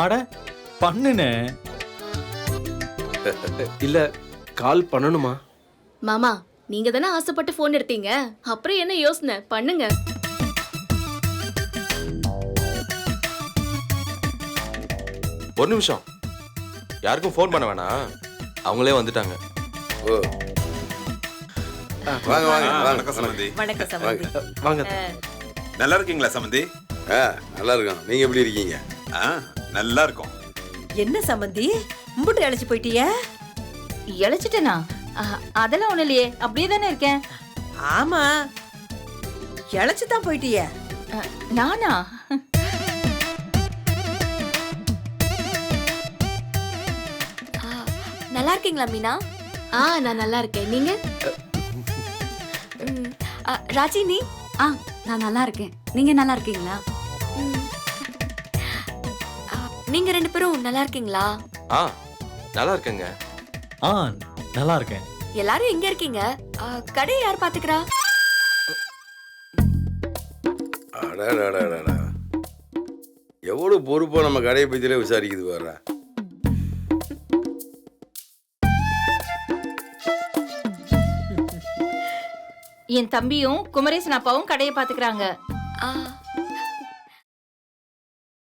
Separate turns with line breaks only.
ஆட பண்ணுனே.
இல்ல கால் பண்ணணுமா?
மாமா நீங்க தானே ஆசைப்பட்டு போன் எடுத்தீங்க, அப்புறம் என்ன யோசனை, பண்ணுங்க.
ஒரு நிமிஷம், யாருக்கும் ஃபோன் பண்ண வேணாம், அவங்களே வந்துட்டாங்க.
ஓ வாங்க வாங்க வாங்க.
வணக்கம் சம்பந்தி.
வணக்கம் சம்பந்தி.
வாங்க.
நல்லா இருக்கீங்களா சம்பந்தி?
நல்லா இருக்கோம். நீங்க எப்படி இருக்கீங்க?
நல்லா இருக்கும்.
என்ன சம்பந்தி மும்பிட்டு அழைச்சு போயிட்டிய?
இழைச்சிட்டேனா? அதெல்லாம் ஒண்ணு இல்லையே, அப்படியே தானே இருக்கேன்.
ஆமா, இழைச்சு தான் போயிட்டிய.
நானா?
நல்லா இருக்கீங்களா மீனா?
நான் நல்லா இருக்கேன், நீங்க?
ராஜி நீ?
நான் நல்லா இருக்கேன். நீங்க நல்லா இருக்கீங்களா?
நீங்க ரெண்டு பேரும் நல்லா இருக்கீங்களா?
நல்லா இருக்கேங்க.
நல்லா இருக்கேன்.
எல்லாரும் எங்க இருக்கீங்க? கடையை யார் பாத்துக்கிறா?
அடடடடடா, எவ்வளவு பொறுப்பா நம்ம கடையை பத்தியில விசாரிக்குது வர்ற.
என் தம்பியும் குமரேசன் அப்பாவும் கடையை பாத்துக்கிறாங்க.